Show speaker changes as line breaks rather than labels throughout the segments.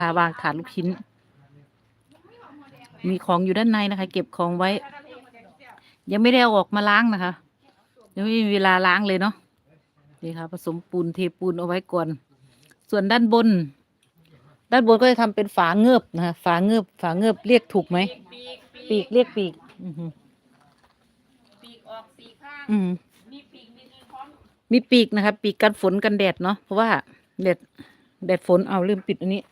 วางถาดลูกชิ้นมีของอยู่ด้านในนะคะ เก็บของไว้ ยังไม่ได้เอาออกมาล้างนะคะยังไม่มีเวลาล้างเลยเนาะนี่ค่ะผสมปูนเทปูนเอาไว้ก่อนส่วนด้านบนก็จะทำเป็นฝาเงือบนะคะฝาเงือบเรียกถูกไหมปีกเรียกปีก
ปีกออกสี่ข้างมีปีกมีพร้อม
มีปีกนะคะปีกกันฝนกันแดดเนาะเพราะว่าแดดฝนเอาลืมปิดอันนี้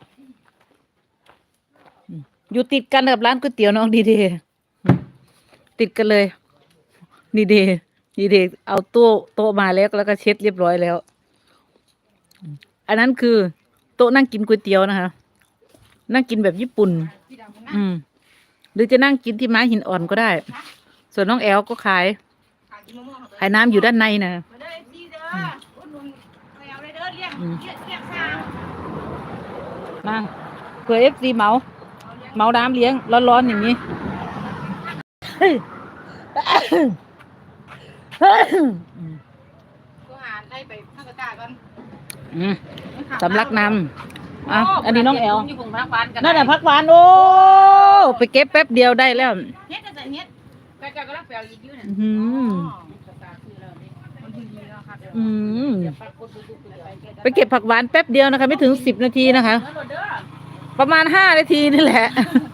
อยู่ติดกันกับร้านก๋วยเตี๋ยวน้องดีเดติดกันเลยดีเดเอาโต๊ะมาแล้วก็เช็ดเรียบร้อยแล้วอันนั้นคือโต๊ะนั่งกินก๋วยเตี๋ยวนะคะนั่งกินแบบญี่ปุ่นหรือจะนั่งกินที่ไม้หินอ่อนก็ได้ส่วนน้องแอลก็ขายน้ำอยู่ด้านในนะนั่งเผื่อFCเมาน้ำเลี้ยงร้อนๆอย่างนี้
ก็หาได้ไปข้างกระจายก่อน
สำลักน้ำอันนี้น้องแอลนั่นน่ะผักหวานโอ้ไปเก็บแป๊บเดียวได้แล้ว
เฮ็ดแต่เฮ็ดกระจายก็รับแปลอีกอยู่เนี่ย
ไปเก็บผักหวานแป๊บเดียวนะคะไม่ถึง10 นาทีนะคะประมาณ5 นาทีนี่แหละ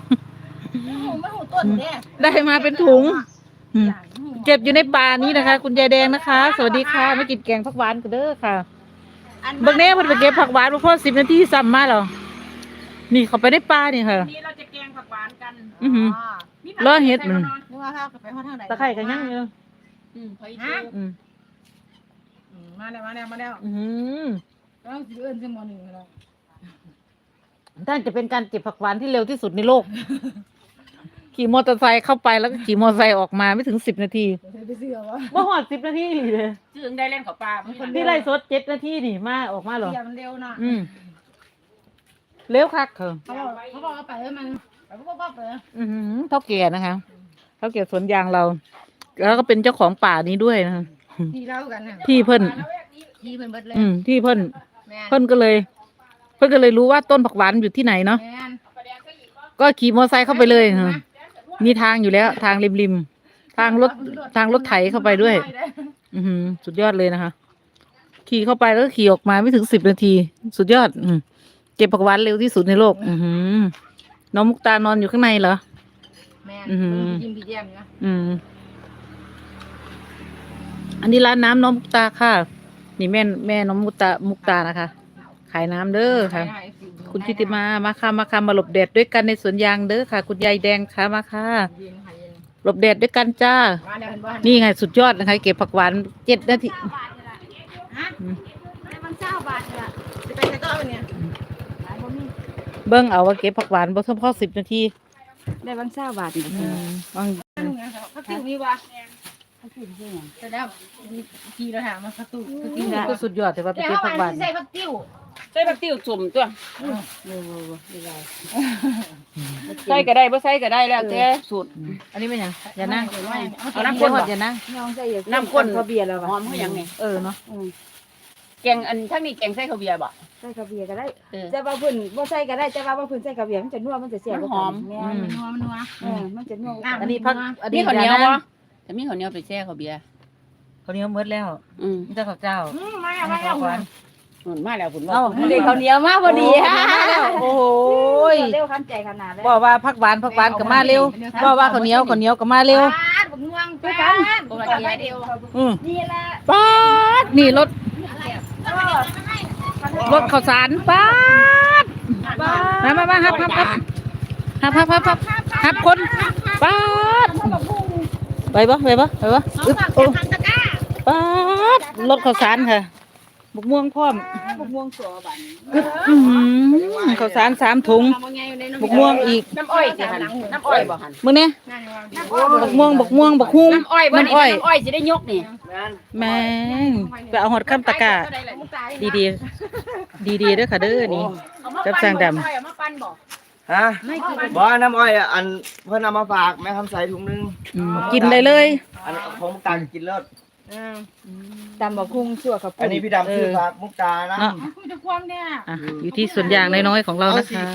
ได้มาเป็นถุงเก็บอยู่ในป่านี้นะคะคุณยายแดงนะคะสวัสดีค่ะมากินแกงผักหวานกันเด้อค่ะบางแน่เพิ่นไปเก็บผักหวานเพราะ10 นาทีซ้ำมาแล้วนี่เขาไปได้ป่านี่ค่ะ
นี่เราจะแกงผักหวานกัน
รอเฮ็ดมัน
ตะ
ไคร้กันยังอยู่
มาแล้วต้องสิเอิ้นซิม1แล้ว
ท่านจะเป็นการเก็บผักหวานที่เร็วที่สุดในโลกขี่มอเตอร์ไซค์เข้าไปแล้วก็ขี่มอเตอร์ไซค์ออกมาไม่ถึง10 นาทีบ่ฮอด10 นาทีเลย
จึงได้เล่นกับปลา
ที่ไล่สด7 นาทีนี่มาออกมาหรอ
มันเร็วนะ
เร็วคักเขา
บอกไปมันไปปุ๊บเลย
เท่าแก่นะคะเท่าแก่สวนยางเราแล้วก็เป็นเจ้าของป่านี้ด้วยนะคะ
ที่เล่ากัน
ที่เพิ่น
เบิดเลย
ที่เพิ่นก็เลยรู้ว่าต้นผักหวานอยู่ที่ไหนเนาะก็ขี่มอเตอร์ไซค์เข้าไปเลยมีทางอยู่แล้วทางริมทางรถไถเข้าไปด้วยสุดยอดเลยนะคะขี่เข้าไปแล้วก็ขี่ออกมาไม่ถึง10 นาทีสุดยอดเก็บผักหวานเร็วที่สุดในโลกน้องมุกตานอนอยู่ข้างในเหรอ
แม่ยิ้มพี่แย้มนะ
อันนี้ร้านน้ำน้องมุกตาค่ะนี่แม่น้องมุกตานะคะขายน้ำเด้อค่ะคุณทิติมาค่ะมาหลบแดดด้วยกันในสวนยางเด้อค่ะคุณยายแดงค่ะมาค่ะหลบแดดด้วยกันจ้านี่ไงสุดยอดนะคะเก็บผักหวาน7 นาทีเบิ้งเอาว่าเก็บผักหวานบ่เฉพาะ10 นาที
ได้บาง20 บาท
บาง
เขาติวมีวะแต่แล้วทีเราถามมาผักตุ้
ก็สุดยอดแต่ว่าไปเก็บผักหวาน
ใส่ผักติ้วจุ่มตัวใส่ก็ได้บ่ใส่ก็ได้แล้วแต่สูตร
อันนี้เป็นยังอย่านั่ง
เอาน้ำข้น
อย่านั่ง
น้ำข้นข้าวเบียร์แล้วหอมเขาอย่างนี้
เนาะ
แกงอันทั้งนี้แกงใส่ข้าวเบียร์บ่
ใส่ข้าวเบียร์ก็ได้จะว่าเพิ่นบ่ใส่ก็ได้จะว่าเพิ่นใส่ข้าวเบียร์มันจะนัวมันจะแซ่บ
หอม
มันนัวมันจะนัว
อันนี้พัก
มีข้าวเหนียวบ่จะมีข้าวเหนียวไปแช่ข้าวเบียร์
ข้าวเหนียวหมดแล้วมีแต่ข้าวเจ้า
มาแล้วคุณ
ว่าเด็กข้าวเหนียวมาพอดีฮะ
โอ้โห
เร็วคันใจขนาดแล้ว
บอกว่าผักหวานก็มาเร็วบอกว่าข้าวเหนียวก็มาเร็ว
บักม่วงด้วยกัน
นี่แหละป๊าดนี่รถข้าวสารป๊าดมาฮับคนป๊าดไปปะอึ๊บป๊าดรถข้าวสารค่ะบุกม่วงพร้อม
บุกม่วงสัวบั
นข้าวสาร3 ถุงบุกม่วงอีก
น้ำอ้อยสิหั่นน้ำอ้อยบ่หั่น
มื้อนี้บุกม่วงบักฮุ้ง
น้ำอ้อยสิได้ยกนี่
แม่งไปเอาหอดข้ามตะกะดีเด้อค่ะเด้อนี่จับสร้างดำ
ฮะบ่น้ำอ้อยอันเพิ่นเอามาฝากแม่คำใสถุงนึง
กินได้เลย
อันของมุกตากินเลิศ
ดำบักฮุ้งสั่วกับ
อันนี้พี่ดำซื้อฝากมุกตานะ
อยู่ที่สวนยางน้อยๆของเรานะคะ